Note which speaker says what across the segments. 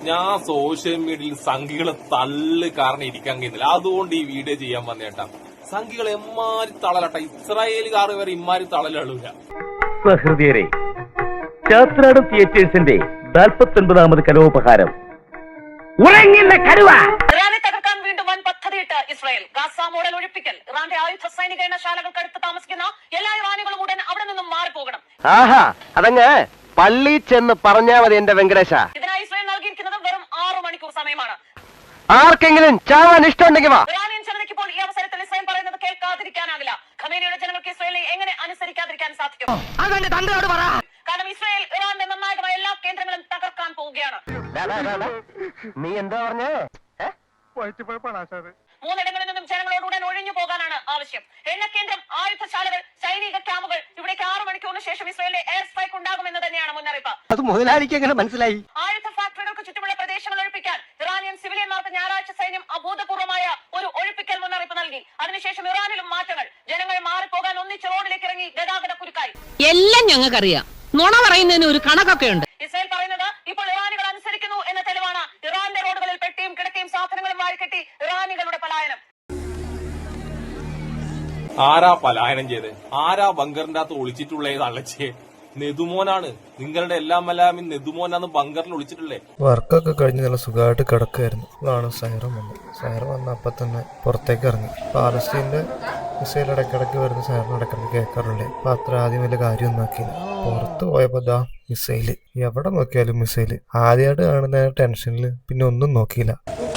Speaker 1: ഞാൻ സോഷ്യൽ മീഡിയയിൽ സംഘികളെ തള്ളു കാരണം ഇരിക്കാൻ കഴിയുന്നില്ല. അതുകൊണ്ട് ഈ വീഡിയോ ചെയ്യാൻ വന്നേട്ടാ. സംഘികൾ എമ്മാരി തളലട്ട, ഇസ്രായേലുകാർ വരെ ഇമ്മാരി തളലൂല.
Speaker 2: സഹൃദയരെ, ശാസ്ത്രാടം തിയേറ്റേഴ്സിന്റെ 49ാമത് കലോപഹാരം ഉറങ്ങില്ല കരുവ.
Speaker 3: ഇറാനെ തകർക്കാൻ വീണ്ടും വൻ പദ്ധതിയിട്ട് ഇസ്രായേൽ. ഗാസ മോഡൽ ഒഴിപ്പിക്കൽ. ഇറാന്റെ ആയുധ സൈനിക എണ്ണശാലകൾക്കടുത്ത് താമസിക്കുന്ന എല്ലാ ഇറാനികളും ഉടൻ അവിടെ നിന്നും മാറിപ്പോകണം.
Speaker 2: ആഹാ, അതങ്ങ് പള്ളി ചെന്ന് പറഞ്ഞാ മതി എന്റെ വെങ്കടേശ.
Speaker 3: ഇതിനായി ഇസ്രായേൽ നൽകിയിരിക്കുന്നത് വെറും 6 മണിക്കൂർ സമയമാണ്.
Speaker 2: ആർക്കെങ്കിലും ചാവാൻ ഇഷ്ടമുണ്ടെങ്കിൽ വാ.
Speaker 3: ഇറാനിയൻ ജനതയ്ക്ക് ഇപ്പോൾ ഈ അവസരത്തിൽ ഇസ്രായേൽ പറയുന്നത് കേൾക്കാതിരിക്കാനാവില്ല. ഖമേനിയുടെ ജനങ്ങൾക്ക് ഇസ്രായേലിനെ എങ്ങനെ അനുസരിക്കാതിരിക്കാൻ സാധിക്കും? കാരണം ഇസ്രായേൽ ഇറാന്റെ നിർണായകമായ എല്ലാ കേന്ദ്രങ്ങളും തകർക്കാൻ പോവുകയാണ്.
Speaker 2: നീ എന്താ പറഞ്ഞേ?
Speaker 3: മൂന്നിടങ്ങളിൽ നിന്നും ജനങ്ങളോട് ഉടൻ ഒഴിഞ്ഞു പോകാനാണ് ആവശ്യം. എണ്ണക്കേന്ദ്രം, ആയുധശാലകൾ, സൈനിക ക്യാമ്പുകൾ, ഇവിടേക്ക് 6 മണിക്കൂറിന് ശേഷം ഇസ്രായേലിലെ എയർ സ്ട്രൈക്ക് ഉണ്ടാകുമെന്ന് തന്നെയാണ് മുന്നറിയിപ്പ്.
Speaker 2: അത് മുതലാളിക്ക് എങ്ങനെ മനസ്സിലായി?
Speaker 3: ആയുധ ഫാക്ടറികൾക്ക് ചുറ്റുമുള്ള പ്രദേശങ്ങൾ ഒഴിപ്പിക്കാൻ ഇറാനിയൻ സിവിലിയന്മാർക്ക് ഞായറാഴ്ച സൈന്യം അഭൂതപൂർവമായ ഒരു ഒഴിപ്പിക്കൽ മുന്നറിയിപ്പ് നൽകി. അതിനുശേഷം ഇറാനിലും മാറ്റങ്ങൾ. ജനങ്ങൾ മാറിപ്പോകാൻ ഒന്നിച്ച് റോഡിലേക്ക് ഇറങ്ങി ഗതാഗത കുരുക്കായി.
Speaker 4: എല്ലാം ഞങ്ങൾക്കറിയാം. നുണ പറയുന്നതിന് ഒരു കണക്കൊക്കെ ഉണ്ട്.
Speaker 3: ഇസ്രായേൽ പറയുന്നത് ഇപ്പോൾ ഇറാനികൾ അനുസരിക്കുന്നു എന്ന തെളിവാണ് ഇറാന്റെ റോഡുകളിൽ പെട്ടിയും കിടക്കയും സാധനങ്ങളും വാരിക്കെട്ടി ഇറാനികളുടെ പലായനം.
Speaker 1: ആരാ പലായനം ചെയ്ത്? ആരാ ബങ്കറിന്റെ അകത്ത് ഒളിച്ചിട്ടുള്ളത്? അള്ളച്ചേ, നെതുമോനാണ്. നിങ്ങളുടെ എല്ലാം നെതുമോനാന്ന് ബങ്കറിൽ ഒളിച്ചിട്ടുള്ളേ.
Speaker 5: വർക്കൊക്കെ കഴിഞ്ഞ് നല്ല സുഖമായിട്ട് കിടക്കുകയായിരുന്നു. അതാണ് സൈറം വന്നത്. സൈറം വന്ന അപ്പം തന്നെ പുറത്തേക്ക് ഇറങ്ങി. പാലസ്തീന്റെ മിസൈൽ ഇടയ്ക്കിടയ്ക്ക് വരുന്ന സൈറം ഇടയ്ക്കിടയ്ക്ക് കേൾക്കാറുള്ളേ. അപ്പൊ അത്ര ആദ്യം വലിയ കാര്യമൊന്നും ആക്കിയില്ല. പുറത്ത് പോയപ്പോ ദാ മിസൈല്. എവിടെ നോക്കിയാലും മിസൈല്. ആദ്യമായിട്ട് കാണുന്ന ടെൻഷനിൽ പിന്നെ ഒന്നും നോക്കിയില്ല.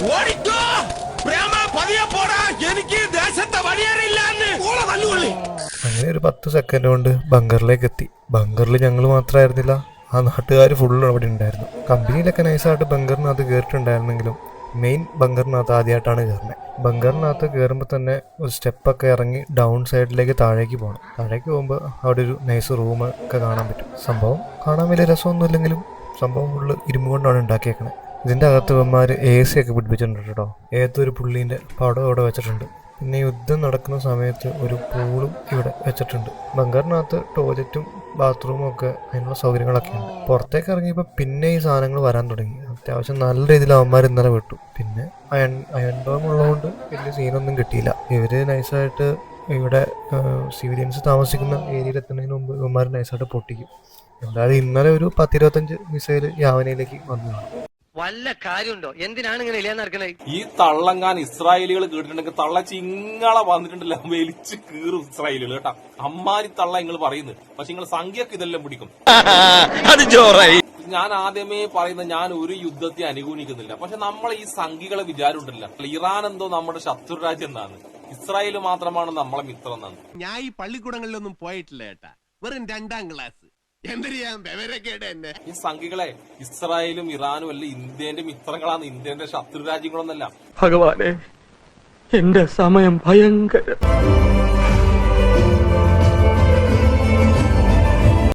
Speaker 5: അങ്ങനെ ഒരു 10 സെക്കൻഡ് കൊണ്ട് ബങ്കറിലേക്ക് എത്തി. ബങ്കറിൽ ഞങ്ങൾ മാത്രമായിരുന്നില്ല, ആ നാട്ടുകാർ ഫുള്ള് അവിടെ ഉണ്ടായിരുന്നു. കമ്പനിയിലൊക്കെ നൈസായിട്ട് ബങ്കറിനകത്ത് കയറിയിട്ടുണ്ടായിരുന്നെങ്കിലും മെയിൻ ബങ്കറിനകത്ത് ആദ്യമായിട്ടാണ് കയറുന്നത്. ബങ്കറിനകത്ത് കയറുമ്പോൾ തന്നെ ഒരു സ്റ്റെപ്പൊക്കെ ഇറങ്ങി ഡൗൺ സൈഡിലേക്ക് താഴേക്ക് പോകണം. താഴേക്ക് പോകുമ്പോൾ അവിടെ ഒരു നൈസ് റൂം ഒക്കെ കാണാൻ പറ്റും. സംഭവം കാണാൻ വലിയ രസമൊന്നും ഇല്ലെങ്കിലും സംഭവം ഫുള്ള് ഇരുമ്പ് കൊണ്ടാണ് ഉണ്ടാക്കിയേക്കണേ. ഇതിൻ്റെ അകത്ത് ഇവന്മാർ AC ഒക്കെ പിടിപ്പിച്ചിട്ടുണ്ട് കേട്ടോ. ഏതൊരു പുള്ളീൻ്റെ പടം ഇവിടെ വെച്ചിട്ടുണ്ട്. പിന്നെ യുദ്ധം നടക്കുന്ന സമയത്ത് ഒരു പൂളും ഇവിടെ വെച്ചിട്ടുണ്ട്. ബങ്കറിനകത്ത് ടോയ്ലറ്റും ബാത്റൂമും ഒക്കെ അതിനുള്ള സൗകര്യങ്ങളൊക്കെ ഉണ്ട്. പുറത്തേക്ക് ഇറങ്ങിയപ്പോൾ പിന്നെ ഈ സാധനങ്ങൾ വരാൻ തുടങ്ങി. അത്യാവശ്യം നല്ല രീതിയിൽ അവന്മാർ ഇന്നലെ വിട്ടു. പിന്നെ അയൺ ഡോം ഉള്ളതുകൊണ്ട് വലിയ സീനൊന്നും കിട്ടിയില്ല. ഇവര് നൈസായിട്ട് ഇവിടെ സിവിലിയൻസ് താമസിക്കുന്ന ഏരിയയിൽ എത്തുന്നതിന് മുമ്പ് ഇവന്മാർ നൈസായിട്ട് പൊട്ടിക്കും. എന്തായാലും ഇന്നലെ ഒരു 10-25 മിസൈൽ യാവനയിലേക്ക് വന്നു.
Speaker 2: വല്ല കാര്യമുണ്ടോ? എന്തിനാണ് ഇങ്ങനെ ഇല്ലാന്ന് നടക്കണേ?
Speaker 1: ഈ തള്ളങ്ങാൻ ഇസ്രായേലികൾ കേട്ടിട്ടുണ്ടെങ്കിൽ തള്ള ചിങ്ങളെ വന്നിട്ടുണ്ടല്ലോ, വലിച്ചു കീറും ഇസ്രായേലുകൾ കേട്ടാ. അമ്മാരി തള്ള നിങ്ങൾ പറയുന്നത്. പക്ഷെ നിങ്ങൾ സംഖ്യക്ക് ഇതെല്ലാം പിടിക്കും. ഞാൻ ആദ്യമേ പറയുന്നത്, ഞാൻ ഒരു യുദ്ധത്തെ അനുകൂലിക്കുന്നില്ല. പക്ഷെ നമ്മൾ ഈ സംഖ്യകളെ വിചാരം ഉണ്ടല്ല, ഇറാൻ എന്തോ നമ്മുടെ ശത്രു രാജ്യം എന്നാണ്, ഇസ്രായേൽ മാത്രമാണ് നമ്മളെ മിത്രം എന്നാണ്.
Speaker 6: ഞാൻ ഈ പള്ളിക്കൂടങ്ങളിലൊന്നും പോയിട്ടില്ല ഏട്ടാ, വെറും 2ാം ക്ലാസ്.
Speaker 1: ഈ സംഖ്യകളെ ഇസ്രായേലും ഇറാനും അല്ല ഇന്ത്യന്റെ മിത്രങ്ങളാണ്, ഇന്ത്യന്റെ ശത്രു രാജ്യങ്ങളൊന്നല്ല.
Speaker 7: ഭഗവാനെ, എന്റെ സമയം ഭയങ്കര